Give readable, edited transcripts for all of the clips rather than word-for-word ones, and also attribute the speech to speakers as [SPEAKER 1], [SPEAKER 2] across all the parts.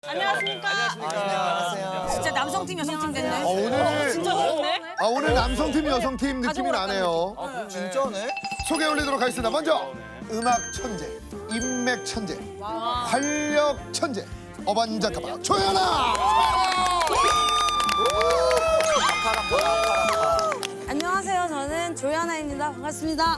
[SPEAKER 1] 안녕하십니까?
[SPEAKER 2] 안녕하세요.
[SPEAKER 1] 진짜 남성팀 여성팀 됐네.
[SPEAKER 3] 오늘
[SPEAKER 1] 진짜 그렇네.
[SPEAKER 3] 오늘 남성팀 여성팀 느낌이 나네요.
[SPEAKER 2] 진짜네?
[SPEAKER 3] 소개 올리도록 하겠습니다. 먼저 음악 천재, 인맥 천재, 활력 천재, 어반자카파 조연아.
[SPEAKER 4] 안녕하세요. 저는 조연아입니다. 반갑습니다.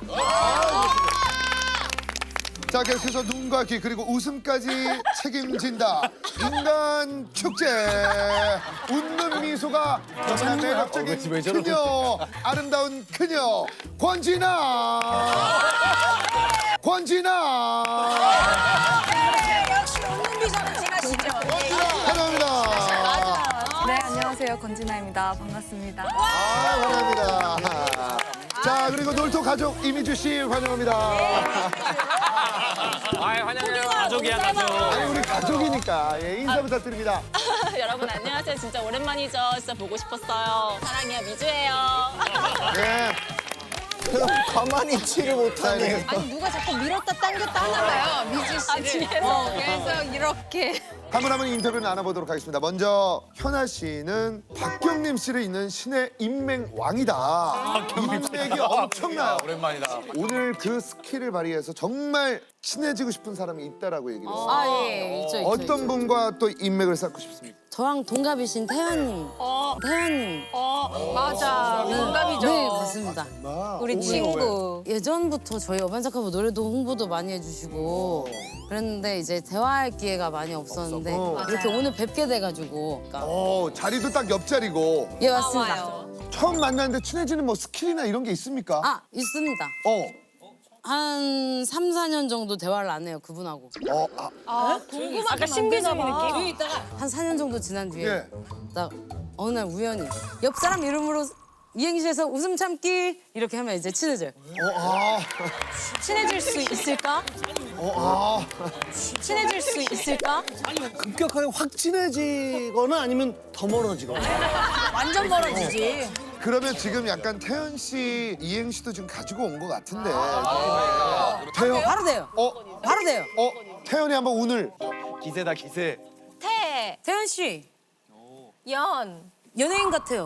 [SPEAKER 3] 자, 계속해서 눈과 귀 그리고 웃음까지 책임진다. 인간 축제. 웃는 미소가 정말 매력적인 그녀, 아름다운 그녀 권진아. 권진아.
[SPEAKER 1] 역시 웃는 미소는 진하시죠.
[SPEAKER 3] 환영합니다.
[SPEAKER 4] 네, 안녕하세요. 권진아입니다. 반갑습니다.
[SPEAKER 3] 환영합니다. 자, 그리고 놀토 가족 이미주 씨 환영합니다.
[SPEAKER 5] 환영해요. 가족이야, 가족.
[SPEAKER 3] 아니, 우리 가족이니까 예, 인사 부탁드립니다.
[SPEAKER 1] 여러분 안녕하세요. 진짜 오랜만이죠. 진짜 보고 싶었어요. 사랑해요. 미주예요.
[SPEAKER 3] 예.
[SPEAKER 2] 그럼 가만히 있지를 못하네.
[SPEAKER 4] 아니, 누가 자꾸 밀었다 당겼다 하나 봐요. 미주 씨를.
[SPEAKER 1] 뒤에서.
[SPEAKER 4] 그래서 이렇게.
[SPEAKER 3] 한 분 한 분 인터뷰를 나눠보도록 하겠습니다. 먼저 현아 씨는 박경림 씨를 잇는 신의 인맥 왕이다. 인맥이 엄청나요.
[SPEAKER 5] 오랜만이다.
[SPEAKER 3] 오늘 그 스킬을 발휘해서 정말 친해지고 싶은 사람이 있다라고 얘기를 했어요.
[SPEAKER 4] 아, 예. 있죠.
[SPEAKER 3] 어떤 분과 또 인맥을 쌓고 싶습니까?
[SPEAKER 4] 저랑 동갑이신 태연님. 태연님.
[SPEAKER 1] 맞아. 동갑이죠.
[SPEAKER 4] 네, 맞습니다.
[SPEAKER 1] 우리 친구.
[SPEAKER 4] 예전부터 저희 어반자카파 노래도 홍보도 많이 해주시고 그랬는데 이제 대화할 기회가 많이 없었는데 이렇게 오늘 뵙게 돼가지고.
[SPEAKER 3] 자리도 딱 옆자리고.
[SPEAKER 4] 예, 맞습니다.
[SPEAKER 1] 와요.
[SPEAKER 3] 처음 만났는데 친해지는 뭐 스킬이나 이런 게 있습니까?
[SPEAKER 4] 아, 있습니다. 한 3, 4년 정도 대화를 안 해요, 그분하고.
[SPEAKER 1] 궁금한 아까 신비적인 느낌?
[SPEAKER 4] 한 4년 정도 지난 뒤에
[SPEAKER 3] 예.
[SPEAKER 4] 나 어느 날 우연히 옆 사람 이름으로 이행시에서 웃음 참기 이렇게 하면 이제 친해져요.
[SPEAKER 1] 친해질 수 있을까? 친해질 수 있을까?
[SPEAKER 6] 급격하게 확 친해지거나 아니면 더 멀어지거나.
[SPEAKER 1] 완전 멀어지지.
[SPEAKER 3] 그러면 지금 약간 태연 씨 이행시도 지금 가지고 온 것 같은데. 태연,
[SPEAKER 4] 바로 돼요. 바로 돼요.
[SPEAKER 3] 태연이 한번 오늘
[SPEAKER 5] 기세다, 기세.
[SPEAKER 4] 태연 씨
[SPEAKER 1] 연.
[SPEAKER 4] 연예인 같아요.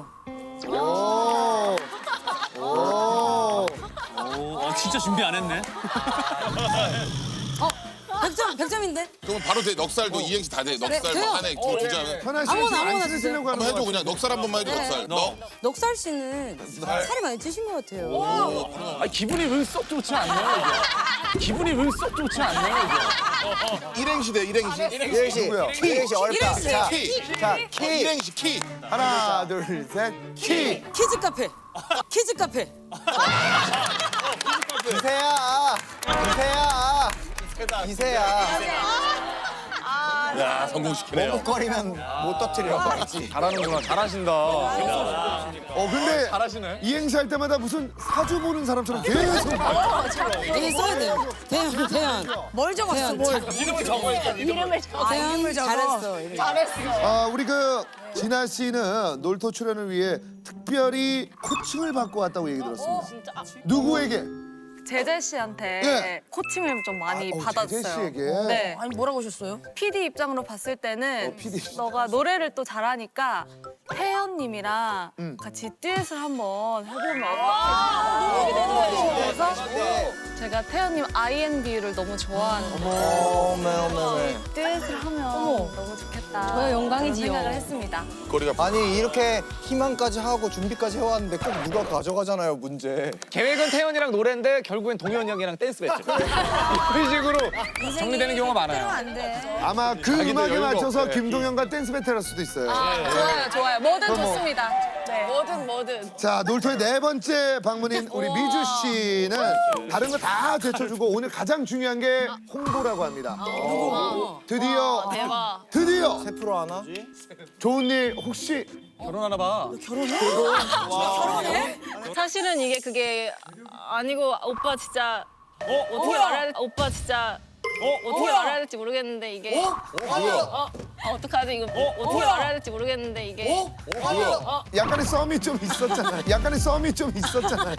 [SPEAKER 5] 진짜 준비 안 했네.
[SPEAKER 4] 100점인데?
[SPEAKER 7] 그럼 바로 돼. 넉살도 이행시 다 돼. 넉살
[SPEAKER 4] 돼요.
[SPEAKER 7] 뭐 하나에 두 장은.
[SPEAKER 3] 현아 씨
[SPEAKER 4] 아무나,
[SPEAKER 3] 안
[SPEAKER 4] 아무나
[SPEAKER 3] 쓰시려고 하는
[SPEAKER 7] 한번 해줘
[SPEAKER 3] 거
[SPEAKER 7] 그냥. 넉살 한 번만 해줘. 넉살.
[SPEAKER 4] 넉살 씨는 살이 많이 찌신 것 같아요.
[SPEAKER 5] 기분이 왜 썩 좋지 않네요, 이게. 기분이 왜 썩 좋지 않네요, 이게.
[SPEAKER 7] 일행시 돼. 일행시.
[SPEAKER 2] 이행시.
[SPEAKER 3] 누구야?
[SPEAKER 2] 이행시 어렵다. 자,
[SPEAKER 7] 키.
[SPEAKER 2] 자, 키.
[SPEAKER 7] 일행시 키.
[SPEAKER 3] 하나, 둘, 셋, 키.
[SPEAKER 4] 키즈 카페. 키즈 카페.
[SPEAKER 2] 기세야. 기세야. 기세야.
[SPEAKER 7] 야 성공시키네요.
[SPEAKER 2] 머뭇거리면 못 터뜨려. 알지?
[SPEAKER 5] 잘하는구나, 잘하신다.
[SPEAKER 3] 근데
[SPEAKER 5] 잘하시네.
[SPEAKER 3] 이행시 할 때마다 무슨 사주 보는 사람처럼 계속.
[SPEAKER 4] 여기 써야 돼요. 태연. 뭘 적었어, 뭘.
[SPEAKER 5] 이름을 적어야 돼.
[SPEAKER 1] 이름을 적어.
[SPEAKER 4] 태연 잘했어. 이렇게.
[SPEAKER 3] 우리 그 진아 씨는 놀토 출연을 위해 특별히 코칭을 받고 왔다고 얘기 들었습니다.
[SPEAKER 1] 진짜.
[SPEAKER 3] 누구에게?
[SPEAKER 8] 제재 씨한테
[SPEAKER 3] 예.
[SPEAKER 8] 코칭을 좀 많이 받았어요.
[SPEAKER 3] 제재 씨에게.
[SPEAKER 8] 네.
[SPEAKER 4] 아니, 뭐라고 하셨어요?
[SPEAKER 8] PD 입장으로 봤을 때는
[SPEAKER 3] PD.
[SPEAKER 8] 너가 노래를 또 잘하니까 태연님이랑 같이 듀엣을 한번 해보면 어떨까? 그래서 제가 태연님 INB를 너무 좋아하는데
[SPEAKER 2] 어메.
[SPEAKER 8] 듀엣을 하면 너무 좋겠다.
[SPEAKER 4] 저야 영광이지요.
[SPEAKER 8] 그런 생각을 했습니다.
[SPEAKER 7] 거리가
[SPEAKER 2] 아니 이렇게 희망까지 하고 준비까지 해왔는데 꼭 누가 가져가잖아요 문제.
[SPEAKER 5] 계획은 태연이랑 노래인데 결국엔 동현이 형이랑 댄스 배틀. 이런 식으로 정리되는 경우가 많아요.
[SPEAKER 4] 안 돼.
[SPEAKER 3] 아마 그 음악에
[SPEAKER 5] 여유가
[SPEAKER 3] 맞춰서
[SPEAKER 5] 없대.
[SPEAKER 3] 김동현과 댄스 배틀 할 수도 있어요.
[SPEAKER 8] 좋아요, 좋아요. 뭐든
[SPEAKER 3] 그럼 뭐.
[SPEAKER 8] 좋습니다. 네. 뭐든.
[SPEAKER 3] 자, 놀토의 네 번째 방문인 우리 미주 씨는 다른 거 다 제쳐주고 오늘 가장 중요한 게 홍보라고 합니다. 드디어 드디어
[SPEAKER 2] 세 프로 하나?
[SPEAKER 3] 좋은 일 혹시
[SPEAKER 5] 결혼하나 봐.
[SPEAKER 8] 사실은 이게 그게 아니고 오빠 진짜 어떻게 말해야 될지 오빠 진짜 어떻게 말해야 될지 모르겠는데 이게 어떡하지 이거 어떻게 말해야 될지 모르겠는데 이게
[SPEAKER 3] 약간의 썸이 좀 있었잖아요. 약간의 썸이 좀 있었잖아요.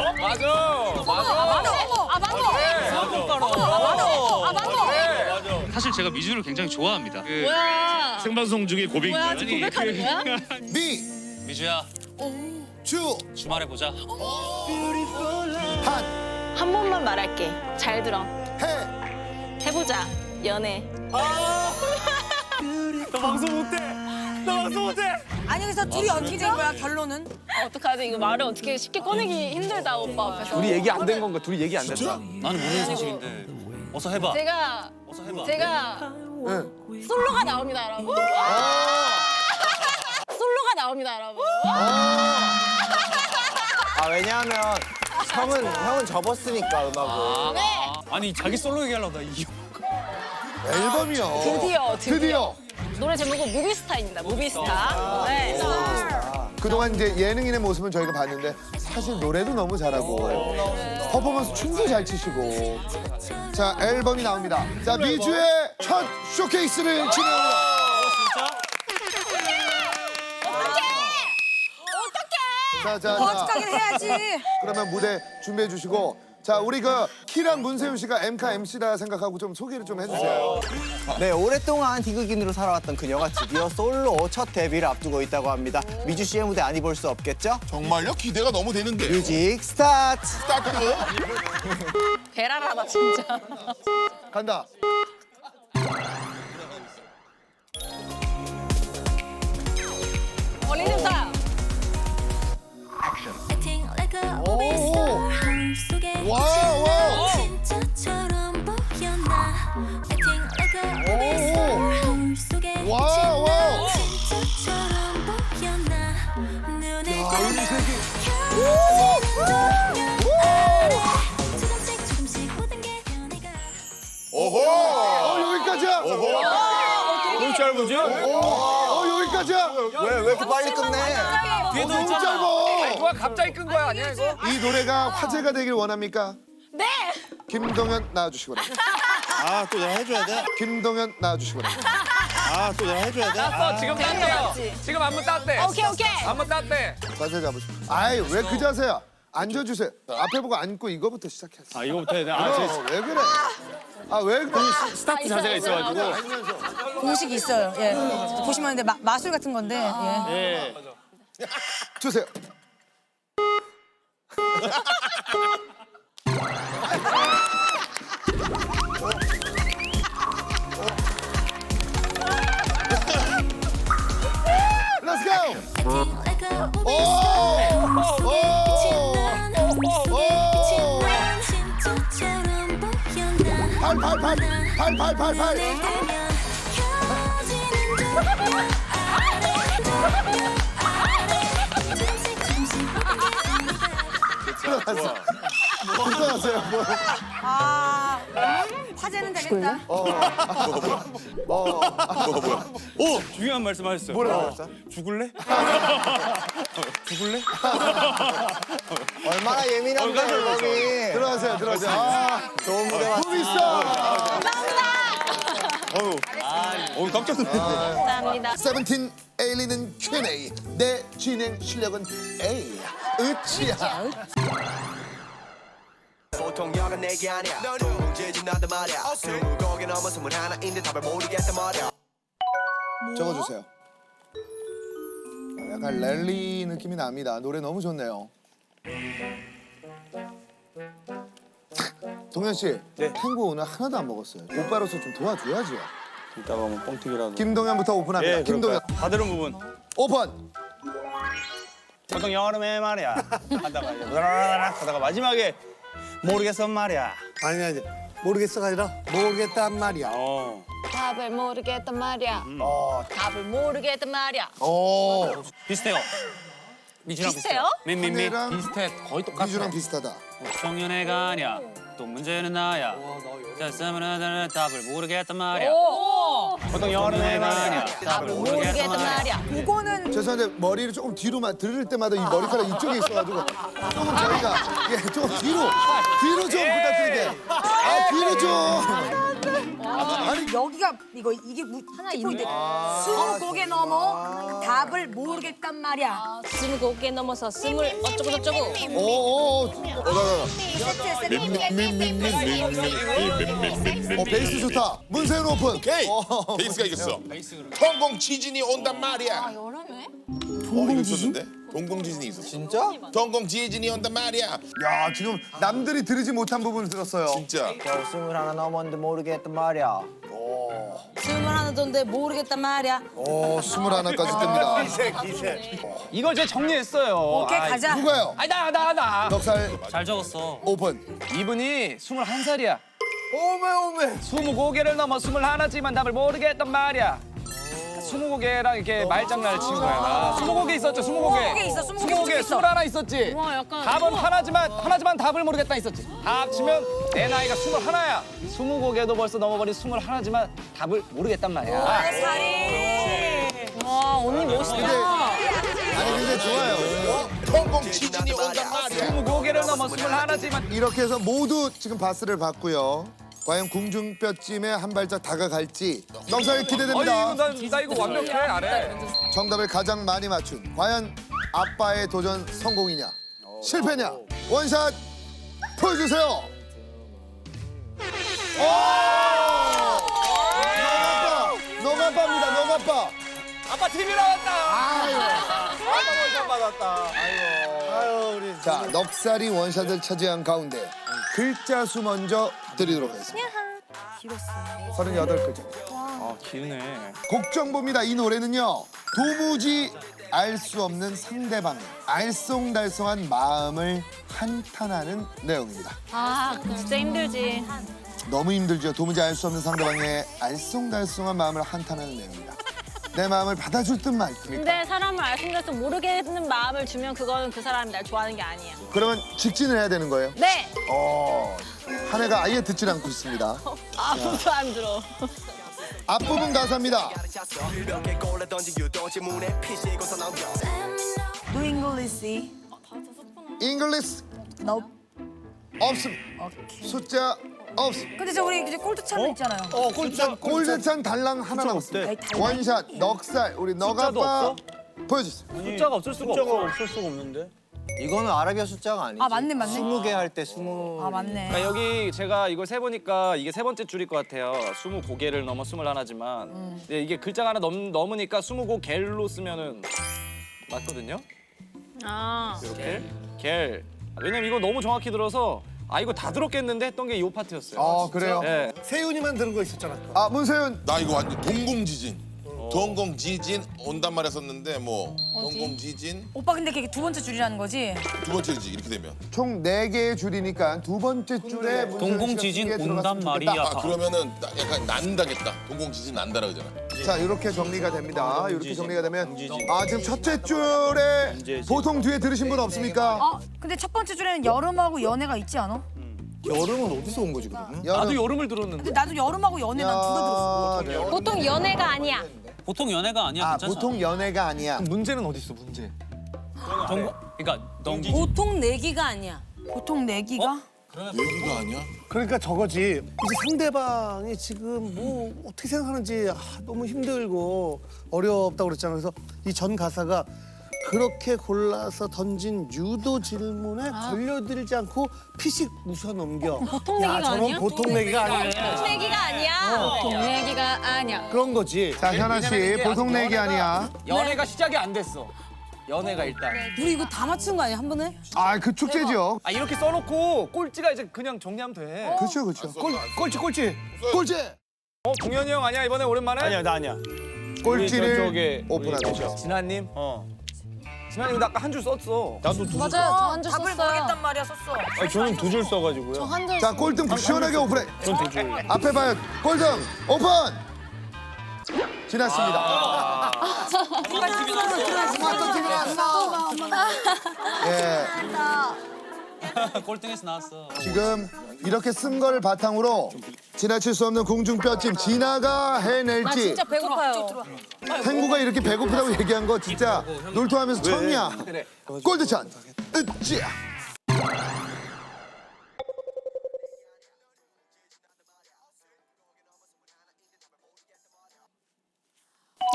[SPEAKER 5] 맞아.
[SPEAKER 8] 맞아.
[SPEAKER 9] 사실 제가 미주를 굉장히 좋아합니다.
[SPEAKER 8] 뭐야?
[SPEAKER 9] 생방송 중에 고백인가요?
[SPEAKER 8] 뭐야? 지금 고백하는 거야?
[SPEAKER 3] 미,
[SPEAKER 5] 미주야
[SPEAKER 3] 주,
[SPEAKER 5] 주말에 보자.
[SPEAKER 3] 한,
[SPEAKER 8] 한 번만 말할게. 잘 들어.
[SPEAKER 3] 해.
[SPEAKER 8] 해보자. 연애.
[SPEAKER 5] 나 방송 못해. 나 방송 못해.
[SPEAKER 10] 아니 그래서 둘이 어떻게 된 거야 결론은?
[SPEAKER 8] 어떡하지? 이거 말을 어떻게 쉽게 꺼내기 힘들다 오빠 앞에서.
[SPEAKER 5] 둘이 얘기 안 된 건가? 둘이 얘기 안 됐다.
[SPEAKER 7] 나는 모르는 사실인데. 어서 해봐.
[SPEAKER 8] 제가
[SPEAKER 7] 어서 해봐.
[SPEAKER 8] 솔로가 나옵니다, 여러분. 솔로가 나옵니다, 여러분.
[SPEAKER 2] 아 왜냐하면 형은 접었으니까 음악을.
[SPEAKER 5] 아니 자기 솔로 얘기하려고 나 이.
[SPEAKER 3] 앨범이요.
[SPEAKER 8] 드디어. 노래 제목은 무비스타입니다. 무비스타. 네.
[SPEAKER 3] 그동안 이제 예능인의 모습은 저희가 봤는데 사실 노래도 너무 잘하고 퍼포먼스 춤도 잘 추시고 자 앨범이 나옵니다. 자 미주의 첫 쇼케이스를 진행합니다. 자.
[SPEAKER 10] 어떡하긴 해야지.
[SPEAKER 3] 그러면 무대 준비해 주시고 자 우리 그 키랑 문세윤 씨가 엠카 MC라 생각하고 좀 소개를 좀 해주세요.
[SPEAKER 2] 네, 오랫동안 희극인으로 살아왔던 그녀가 드디어 솔로 첫 데뷔를 앞두고 있다고 합니다. 미주 씨의 무대 아니 볼 수 없겠죠?
[SPEAKER 7] 정말요? 기대가 너무 되는데.
[SPEAKER 2] 뮤직 스타트!
[SPEAKER 7] 스타트.
[SPEAKER 8] 베라라다 진짜.
[SPEAKER 3] 간다.
[SPEAKER 8] 리듬타.
[SPEAKER 3] 와우. 여기까지야.
[SPEAKER 5] 너무 짧으죠?
[SPEAKER 3] 여기까지야.
[SPEAKER 2] 왜 이렇게 빨리 끝내?
[SPEAKER 5] 뒤에도
[SPEAKER 3] 너무
[SPEAKER 5] 있잖아.
[SPEAKER 3] 짧아.
[SPEAKER 5] 누가 갑자기 끈 거야 아니야 이거?
[SPEAKER 3] 이 노래가 화제가 되길 원합니까?
[SPEAKER 8] 네.
[SPEAKER 3] 김동현 나와주시기 바랍니다.
[SPEAKER 7] 아, 또 내가 해줘야 돼?
[SPEAKER 3] 김동현 나와주시기 바랍니다.
[SPEAKER 7] 아, 또 내가 해줘야 돼?
[SPEAKER 5] 땄어 지금 땄대요. 지금 안무 땄대.
[SPEAKER 8] 오케이.
[SPEAKER 5] 안무 땄대.
[SPEAKER 3] 자세 잡으시고. 아이 왜 그 자세야? 앉아주세요. 앞에 보고 앉고 이거부터 시작했어.
[SPEAKER 5] 아 이거부터 해야 돼.
[SPEAKER 3] 왜 그래? 왜 그래?
[SPEAKER 5] 스타트 자세가 있어가지고.
[SPEAKER 10] 공식이 있어요. 예. 보시면 근데 마술 같은 건데. 예.
[SPEAKER 5] 예.
[SPEAKER 3] 주세요. Let's go. 팔. 들어갔어요.
[SPEAKER 10] 아 화제는 되겠다.
[SPEAKER 5] 오 중요한 말씀하셨어요.
[SPEAKER 3] 뭐라고 했어?
[SPEAKER 5] 죽을래? 죽을래?
[SPEAKER 2] 얼마나 예민한데, 앨범이.
[SPEAKER 3] 들어가세요. 아,
[SPEAKER 2] 좋은 무대 왔어.
[SPEAKER 3] 재밌어.
[SPEAKER 5] 오 깜짝 놀랐네.
[SPEAKER 8] 감사합니다.
[SPEAKER 3] 세븐틴 에일리는 Q&A. 내 진행 실력은 A. 으치야.
[SPEAKER 11] 보통 여간 내게 아니야 넌 문제지 나도 말이야 20곡에 넘어 21인데 답을 모르겠단 말이야
[SPEAKER 3] 적어주세요. 약간 랠리 느낌이 납니다. 노래 너무 좋네요. 동현 씨, 탱고 오늘 하나도 안 먹었어요. 오빠로서 좀 도와줘야죠.
[SPEAKER 5] 이따가 뭐 뻥튀기라도.
[SPEAKER 3] 김동현부터 오픈합니다. 김동현
[SPEAKER 5] 다들은 부분.
[SPEAKER 3] 오픈.
[SPEAKER 5] 보통 여름에 말이야. 하다가 마지막에 모르겠어 말이야.
[SPEAKER 6] 아니 모르겠어가 아니라 모르겠단 말이야.
[SPEAKER 8] 답을 모르겠단 말이야. 답을 모르겠단 말이야.
[SPEAKER 5] 비슷해요. 미주랑
[SPEAKER 8] 비슷해요?
[SPEAKER 3] 하늘이랑
[SPEAKER 5] 비슷해. 거의 똑같아.
[SPEAKER 3] 미주랑 비슷하다.
[SPEAKER 5] 청년애가 아니야. 또 문제는 나야. 자, 쓰면 답을 모르겠단 말이야. 보통 여름애가 아니야. 답을
[SPEAKER 8] 모르겠단 말이야.
[SPEAKER 10] 이거는
[SPEAKER 3] 죄송한데 머리를 조금 뒤로만 들을 때마다 이 머리카락 이쪽에 있어가지고 조금 저희가 조금 뒤로 좀 부탁드릴게요. 뒤로 좀.
[SPEAKER 10] 아니 여기가 진짜 이게 키포인트. 20곡에 넘어 답을 모르겠단 말이야.
[SPEAKER 1] 20곡에 넘어서 20 어쩌고저쩌고.
[SPEAKER 3] 베이스 좋다. 문세윤 오픈.
[SPEAKER 7] 오케이. 베이스가 이겼어. 동공 지진이 온단 말이야. 동공 지진? 동공 지진이 있었어.
[SPEAKER 2] 진짜?
[SPEAKER 7] 동공 지진이 온단 말이야.
[SPEAKER 3] 야, 지금 남들이 들으지 못한 부분을 들었어요.
[SPEAKER 7] 진짜.
[SPEAKER 2] 저 21 넘었는데 모르겠단 말이야.
[SPEAKER 4] 21도인데 모르겠단 말이야.
[SPEAKER 3] 오, 21까지 뜹니다.
[SPEAKER 5] 이걸 제가 정리했어요.
[SPEAKER 10] 오케이 가자.
[SPEAKER 3] 누가요?
[SPEAKER 5] 아니 나.
[SPEAKER 3] 넉살
[SPEAKER 5] 잘 적었어.
[SPEAKER 3] 오픈.
[SPEAKER 5] 이분이 21살이야.
[SPEAKER 2] 오메.
[SPEAKER 5] 20곡을 넘어 21지만 답을 모르겠단 말이야. 20곡이랑 이렇게 말장난을 친 거야. 20곡이 있었죠, 20곡에.
[SPEAKER 10] 20곡에 있어, 20곡에
[SPEAKER 5] 20곡에
[SPEAKER 10] 있어.
[SPEAKER 5] 21 있었지.
[SPEAKER 1] 와, 약간
[SPEAKER 5] 답은 하나지만 답을 모르겠다 있었지. 다 합치면 내 나이가 21야. 20곡에도 벌써 넘어버린 21지만 답을 모르겠단 말이야.
[SPEAKER 1] 와, 언니 멋있다.
[SPEAKER 3] 아니, 근데 좋아요.
[SPEAKER 7] 동공 지진이 온단 말이야.
[SPEAKER 5] 20곡에를 넘어 21지만
[SPEAKER 3] 이렇게 해서 모두 지금 바스를 받고요. 과연 궁중뼈찜에 한 발짝 다가갈지 넉살 기대됩니다.
[SPEAKER 5] 나 이거 완벽해, 안 해.
[SPEAKER 3] 정답을 가장 많이 맞춘 과연 아빠의 도전 성공이냐 실패냐 원샷 보여주세요. 너가 아빠입니다. 너가 아빠.
[SPEAKER 5] 아빠 TV 나왔다.
[SPEAKER 2] 아빠 원샷 받았다. 아유 우리.
[SPEAKER 3] 자, 넉살이 원샷을 차지한 가운데 글자 수 먼저 드리도록 하겠습니다. 38글자.
[SPEAKER 5] 아, 기네.
[SPEAKER 3] 곡 정보입니다. 이 노래는요. 도무지 알 수 없는 상대방의 알쏭달쏭한 마음을 한탄하는 내용입니다.
[SPEAKER 8] 아 진짜 힘들지.
[SPEAKER 3] 너무 힘들죠. 도무지 알 수 없는 상대방의 알쏭달쏭한 마음을 한탄하는 내용입니다. 내 마음을 받아줄 듯 말 듯.
[SPEAKER 8] 근데 사람을 알순간서 모르겠는 마음을 주면 그거는 그 사람이 날 좋아하는 게 아니야.
[SPEAKER 3] 그러면 직진을 해야 되는 거예요?
[SPEAKER 8] 네.
[SPEAKER 3] 한 해가 아예 듣질 않고 있습니다.
[SPEAKER 8] 아무도 안 들어.
[SPEAKER 3] 앞부분 가사입니다.
[SPEAKER 11] 몇개 골에 던진 유도지 문에 피시고서 넘겨
[SPEAKER 10] Do English?
[SPEAKER 3] 잉글리시
[SPEAKER 10] No.
[SPEAKER 3] 없음. 숫자 없음.
[SPEAKER 10] 근데 저 우리 이제 꼴뚜찬 있잖아요.
[SPEAKER 3] 골드찬 달랑 하나 남았습니다.
[SPEAKER 10] 아니, 달랑.
[SPEAKER 3] 원샷 넉살 우리 너가빠 보여주세요.
[SPEAKER 5] 숫자가 없을 수가 없어.
[SPEAKER 2] 없는데. 이거는 아라비아 숫자가 아니지.
[SPEAKER 10] 아, 맞네.
[SPEAKER 2] 20개 할 때 20.
[SPEAKER 10] 아 맞네.
[SPEAKER 5] 그러니까 여기 제가 이걸 세보니까 이게 세 번째 줄일 것 같아요. 20곡에를 넘어 21지만. 근데 이게 글자가 하나 넘으니까 20곡 로 쓰면은 맞거든요.
[SPEAKER 8] 아.
[SPEAKER 5] 이렇게 겔. 왜냐면 이거 너무 정확히 들어서 아 이거 다 들었겠는데 했던 게 이 파트였어요.
[SPEAKER 3] 아, 그래요?
[SPEAKER 5] 네.
[SPEAKER 6] 세윤이만 들은 거 있었잖아.
[SPEAKER 3] 아, 문세윤.
[SPEAKER 7] 나 이거 완전 동공 지진. 동공 지진 온단 말이야 썼는데 뭐 동공 지진
[SPEAKER 10] 오빠 근데 그게 두 번째 줄이라는 거지?
[SPEAKER 7] 두 번째지 이렇게 되면.
[SPEAKER 3] 총 4개의 줄이니까 두 번째 줄에 문세윤
[SPEAKER 5] 동공
[SPEAKER 3] 씨가
[SPEAKER 5] 지진
[SPEAKER 3] 두개 들어갔으면
[SPEAKER 5] 온단
[SPEAKER 3] 좋겠다.
[SPEAKER 5] 말이야.
[SPEAKER 7] 아 그러면은 약간 난다겠다. 동공 지진 난다라 그러잖아.
[SPEAKER 3] 자, 이렇게 정리가 됩니다. 이렇게 정리가 되면 아, 지금 첫째 줄에 보통 뒤에 들으신 분 없습니까?
[SPEAKER 10] 근데 첫 번째 줄에는 여름하고 연애가 있지 않아?
[SPEAKER 2] 여름은 어디서 온 거지 그러면?
[SPEAKER 5] 나도 여름을 들었는데.
[SPEAKER 10] 근데 나도 여름하고 연애 난 두 개 들었어.
[SPEAKER 3] 네.
[SPEAKER 8] 보통 연애가 아니야.
[SPEAKER 5] 보통 연애가 아니야.
[SPEAKER 3] 아,
[SPEAKER 5] 괜찮아.
[SPEAKER 3] 보통 연애가 아니야.
[SPEAKER 5] 문제는 어디 있어 문제? 그러니까
[SPEAKER 4] 보통 내기가 아니야.
[SPEAKER 10] 보통 내기가?
[SPEAKER 7] 얘기가 아니야?
[SPEAKER 6] 그러니까 저거지. 이제 상대방이 지금 뭐 어떻게 생각하는지 너무 힘들고 어렵다고 그랬잖아. 그래서 이 전 가사가 그렇게 골라서 던진 유도 질문에 걸려들지 않고 피식 웃어 넘겨.
[SPEAKER 8] 보통
[SPEAKER 6] 야,
[SPEAKER 8] 내기가
[SPEAKER 6] 저런
[SPEAKER 8] 아니야?
[SPEAKER 6] 보통 내기가 아니네.
[SPEAKER 8] 내기가 아니야. 보통 내기가 아니야.
[SPEAKER 6] 그런 거지.
[SPEAKER 3] 자, 현아 씨, 보통 내기 아니야.
[SPEAKER 5] 연애가 시작이 안 됐어. 연애가 일단.
[SPEAKER 4] 우리 이거 다 맞춘 거 아니야 한 번에?
[SPEAKER 3] 아, 그 축제죠.
[SPEAKER 5] 아 이렇게 써놓고 꼴찌가 이제 그냥 정리하면 돼.
[SPEAKER 3] 그렇죠, 그렇죠.
[SPEAKER 6] 꼴찌.
[SPEAKER 3] 꼴찌.
[SPEAKER 5] 동현이 형 아니야 이번에 오랜만에?
[SPEAKER 6] 아니야, 나 아니야.
[SPEAKER 3] 꼴찌를 오픈하겠죠.
[SPEAKER 5] 진아님. 진아님 나 아까 한 줄 썼어.
[SPEAKER 6] 나도 두 줄.
[SPEAKER 1] 맞아요. 저 한 줄
[SPEAKER 10] 답을
[SPEAKER 1] 썼어요.
[SPEAKER 10] 모르겠단 말이야 썼어.
[SPEAKER 6] 아니, 저는 두 줄 써가지고요.
[SPEAKER 1] 한 줄.
[SPEAKER 3] 자, 꼴등 시원하게 오픈해.
[SPEAKER 6] 전두 줄.
[SPEAKER 3] 앞에 봐요. 꼴등 오픈. 지났습니다. 스마트 TV 나왔어. 예.
[SPEAKER 5] 꼴등에서 나왔어.
[SPEAKER 3] 지금 이렇게 쓴 거를 바탕으로 지나칠 수 없는 공중뼈찜 진아가 해낼지
[SPEAKER 1] 진짜 배고파요.
[SPEAKER 3] 탱구가 이렇게 배고프다고 얘기한 거 진짜 놀토하면서 처음이야. 골드찬 으쌰.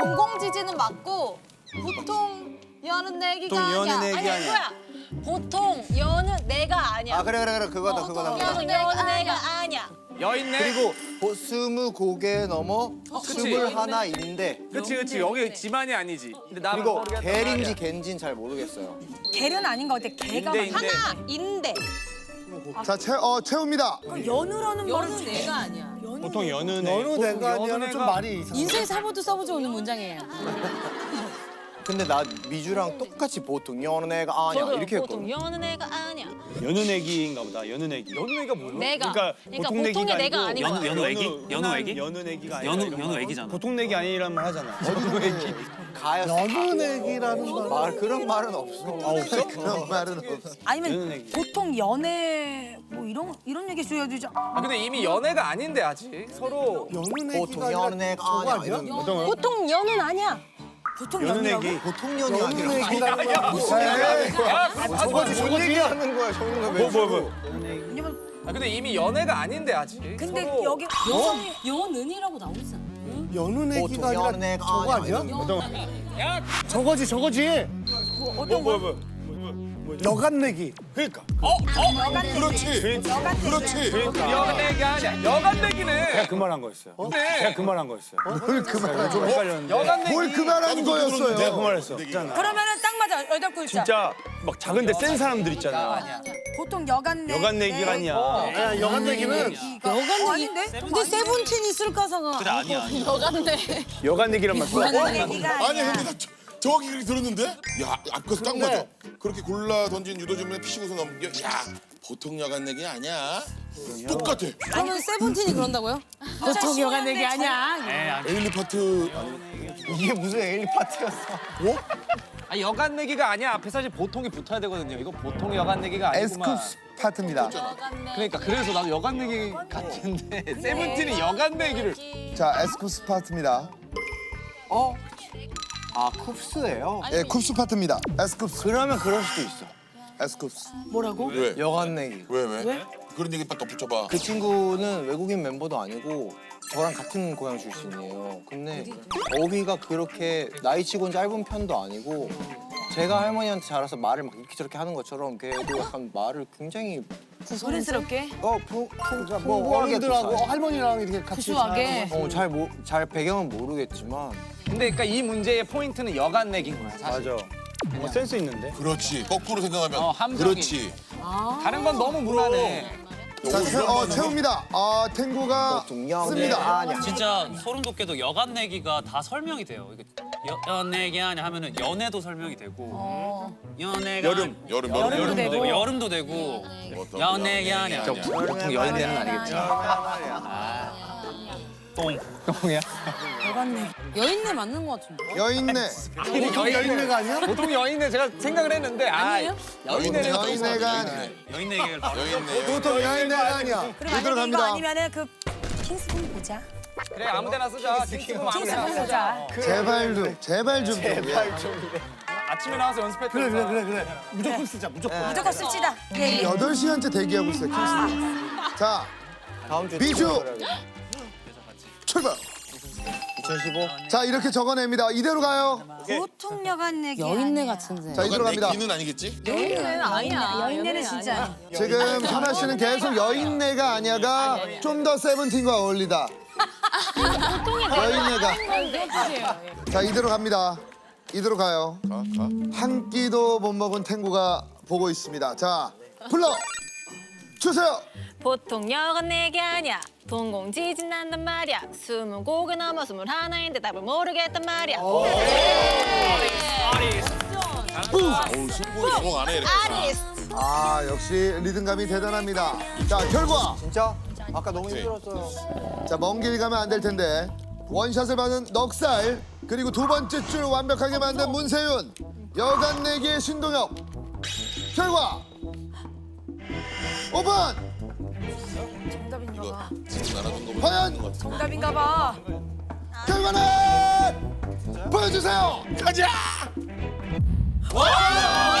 [SPEAKER 10] 동공지진은 맞고 보통 여는 내기가 아니야.
[SPEAKER 2] 여는 내기
[SPEAKER 8] 아니 뭐야? 보통 여는 내가 아니야.
[SPEAKER 2] 아 그래 그거다.
[SPEAKER 8] 보통 여는 내가 아니야.
[SPEAKER 5] 여인네.
[SPEAKER 2] 그리고 20곡에 넘어
[SPEAKER 5] 그치.
[SPEAKER 2] 21인데
[SPEAKER 5] 그치 여기 지만이 아니지. 근데 나
[SPEAKER 2] 그리고 겔인지 겐지는 잘 모르겠어요.
[SPEAKER 10] 개는 아닌 것 같아. 개가
[SPEAKER 5] 인데.
[SPEAKER 8] 인데.
[SPEAKER 3] 자, 채웁니다.
[SPEAKER 10] 연우라는
[SPEAKER 4] 여는 내가 아니야.
[SPEAKER 6] 보통 여느 내가 아니야는 좀 말이 이상해.
[SPEAKER 4] 인생 사고도 써보지 않는 문장이에요.
[SPEAKER 2] 근데 나 미주랑 똑같이 보통 연애가 아니야 이렇게
[SPEAKER 8] 보통
[SPEAKER 2] 했거든.
[SPEAKER 8] 여는 애가 아니야.
[SPEAKER 6] 연은애기인가 보다. 연은애기.
[SPEAKER 5] 연우애가 뭐야?
[SPEAKER 8] 내가.
[SPEAKER 6] 그러니까 보통 내기가
[SPEAKER 8] 보통의 내가 아닌 거야.
[SPEAKER 6] 연은애기가 아니라
[SPEAKER 9] 연우애기잖아.
[SPEAKER 6] 보통 내기 아니라는 말 하잖아.
[SPEAKER 2] 가였어.
[SPEAKER 6] 연은애기라는
[SPEAKER 2] 말 그런 말은 없어. 없어?
[SPEAKER 3] 그런 말은 없어.
[SPEAKER 10] 아니면
[SPEAKER 6] 연은애기.
[SPEAKER 10] 보통 연애 뭐 이런 얘기 줘야 되지.
[SPEAKER 5] 아 근데 이미 연애가 아닌데 아직 서로.
[SPEAKER 2] 보통 연애가 아니야. 이런 거.
[SPEAKER 10] 보통 연은 아니야. 보통 연이라고?
[SPEAKER 2] 보통 연이 아니라.
[SPEAKER 6] 저거지.
[SPEAKER 2] 하는 거야. 저는 왜
[SPEAKER 6] 뭐.
[SPEAKER 5] 아 근데 이미 연애가 아닌데 아직.
[SPEAKER 10] 근데
[SPEAKER 5] 서로.
[SPEAKER 10] 여기
[SPEAKER 4] 여은이라고 나오지 않아?
[SPEAKER 6] 연은애기가 아니라
[SPEAKER 2] 연애가
[SPEAKER 6] 저거
[SPEAKER 2] 아니야.
[SPEAKER 6] 아니야? 저거지.
[SPEAKER 10] 어떤 거?
[SPEAKER 6] 여간내기. 그러니까.
[SPEAKER 7] 그렇지.
[SPEAKER 5] 여간내기 아니야. 여간내기네.
[SPEAKER 6] 제가 그 말 한 거였어요. 제가 그 말 한 거였어요.
[SPEAKER 3] 뭘 그 말한
[SPEAKER 6] 좀 헷갈렸는데.
[SPEAKER 5] 여간내기.
[SPEAKER 3] 뭘 그 말한
[SPEAKER 6] 내가 그
[SPEAKER 3] 거였어요.
[SPEAKER 6] 말 했어.
[SPEAKER 10] 그러면은 딱 맞아. 여덟 글자.
[SPEAKER 6] 진짜 막 작은데 센 사람들 있잖아.
[SPEAKER 10] 보통 여간내.
[SPEAKER 6] 여간내기가 아니야. 야, 여간내기는
[SPEAKER 10] 아닌데?
[SPEAKER 4] 근데 세븐틴 있을 가사가.
[SPEAKER 9] 그래 아니야.
[SPEAKER 6] 여간내기란 말 써.
[SPEAKER 10] 여간내기가
[SPEAKER 7] 아니
[SPEAKER 10] 아니야.
[SPEAKER 7] 근데 나 정확히 그렇게 들었는데? 야 아까서 딱 맞아. 그렇게 골라 던진 유도주문에 피시고서 넘겨. 야 보통 여간 내기 아니야. 똑같아.
[SPEAKER 4] 그러면 세븐틴이 그런다고요? 보통 여간내기 아니야.
[SPEAKER 7] 에일리 파트.
[SPEAKER 2] 이게 무슨 에일리 파티였어?
[SPEAKER 5] 아 여간내기가 아니야. 앞에 사실 보통이 붙어야 되거든요. 이거 보통 여간내기가 아니구만.
[SPEAKER 3] 에스쿱 파트입니다.
[SPEAKER 5] 그러니까 그래서 나도 여간내기 같은데 세븐틴이 여간내기를.
[SPEAKER 3] 자, 에스쿱 파트입니다.
[SPEAKER 2] 아 쿱스예요?
[SPEAKER 3] 예, 쿱스 파트입니다. 에스쿱.
[SPEAKER 2] 그러면 그럴 수도 있어.
[SPEAKER 3] 에스쿱.
[SPEAKER 10] 뭐라고?
[SPEAKER 7] 왜?
[SPEAKER 2] 여간내기.
[SPEAKER 7] 왜? 그런 얘기 딱 덧붙여봐.
[SPEAKER 2] 그 친구는 외국인 멤버도 아니고 저랑 같은 고향 출신이에요. 근데 어휘가 그렇게 나이치곤 짧은 편도 아니고 제가 할머니한테 자라서 말을 막 이렇게 저렇게 하는 것처럼 걔도 약간 말을 굉장히
[SPEAKER 10] 소리스럽게?
[SPEAKER 2] 뭐
[SPEAKER 6] 어른들하고 할머니랑 이렇게 같이
[SPEAKER 4] 구수하게.
[SPEAKER 2] 잘 배경은 모르겠지만
[SPEAKER 5] 근데 그러니까 이 문제의 포인트는 여간내기인 거야. 사실.
[SPEAKER 6] 맞아. 센스 있는데.
[SPEAKER 7] 그렇지. 거꾸로 생각하면.
[SPEAKER 5] 함정이.
[SPEAKER 7] 그렇지.
[SPEAKER 5] 다른 건 너무 무난해.
[SPEAKER 3] 자, 채웁니다. 탱구가
[SPEAKER 2] 보통 연애
[SPEAKER 3] 씁니다.
[SPEAKER 2] 아니야.
[SPEAKER 9] 진짜 소름 돋게도 여간 내기가 다 설명이 돼요. 이게 연내기 아니야 하면은 연애도 설명이 되고 연애가
[SPEAKER 7] 여름도
[SPEAKER 9] 되고 여름도 되고 연내기 아니야.
[SPEAKER 5] 보통 여인네는 아니겠죠. 똥이야?
[SPEAKER 4] 여인네 맞는 것 같은데.
[SPEAKER 3] 여인네.
[SPEAKER 6] 보통 여인네가 아니야?
[SPEAKER 5] 보통 여인네 제가 생각을 했는데
[SPEAKER 4] 아니에요?
[SPEAKER 5] 여인네는
[SPEAKER 3] 여인네가 아니야.
[SPEAKER 9] 여인 얘기를 바로
[SPEAKER 7] 여인네.
[SPEAKER 6] 보통 여인네가 아니야.
[SPEAKER 10] 그럼 만약에 이거
[SPEAKER 3] 들어갑니다.
[SPEAKER 10] 아니면은 그 킹스폰 보자.
[SPEAKER 5] 그래 아무데나 쓰자. 킹스폰 아무데나
[SPEAKER 10] 킹스폰
[SPEAKER 5] 쓰자.
[SPEAKER 10] 보자.
[SPEAKER 3] 제발 좀.
[SPEAKER 5] 아침에 나와서 연습했던
[SPEAKER 6] 그래. 무조건 쓰자. 무조건.
[SPEAKER 10] 무조건 씁시다. 예.
[SPEAKER 3] 8시간째 대기하고 있어요, 킹스. 자,
[SPEAKER 2] 다음 주에
[SPEAKER 3] 미주! 출발.
[SPEAKER 2] 2015
[SPEAKER 3] 자, 이렇게 적어냅니다. 이대로 가요.
[SPEAKER 10] 보통 여간내기.
[SPEAKER 4] 여인네 같은데.
[SPEAKER 3] 자, 이대로 갑니다.
[SPEAKER 7] 기는 아니겠지?
[SPEAKER 8] 여인네는 아니야.
[SPEAKER 10] 여인네는 진짜.
[SPEAKER 3] 지금 현아 씨는 계속 여인네가 아니야가 좀 더 세븐틴과 어울리다. 여인네가. 자, 이대로 갑니다. 이대로 가요. 한 끼도 못 먹은 탱구가 보고 있습니다. 자, 불러 주세요.
[SPEAKER 8] 보통 여간내기 아니야. 동공지진 난단 말이야. 20곡에 넘어 21인데 답을 모르겠단 말이야.
[SPEAKER 7] 승부 영어 안 해 이렇게.
[SPEAKER 3] 아, 역시 리듬감이 대단합니다. 자, 결과.
[SPEAKER 2] 진짜? 아까 너무 힘들었어요.
[SPEAKER 3] 자, 먼 길 가면 안 될 텐데. 원샷을 받은 넉살, 그리고 두 번째 줄 완벽하게 만든 문세윤, 여간내기의 신동엽. 결과 오픈!
[SPEAKER 10] 정답인가 봐.
[SPEAKER 7] 지금 나눠준 거보다
[SPEAKER 3] 과연
[SPEAKER 10] 정답인가 봐.
[SPEAKER 3] 결과는 보여주세요.
[SPEAKER 7] 가자.
[SPEAKER 3] 와!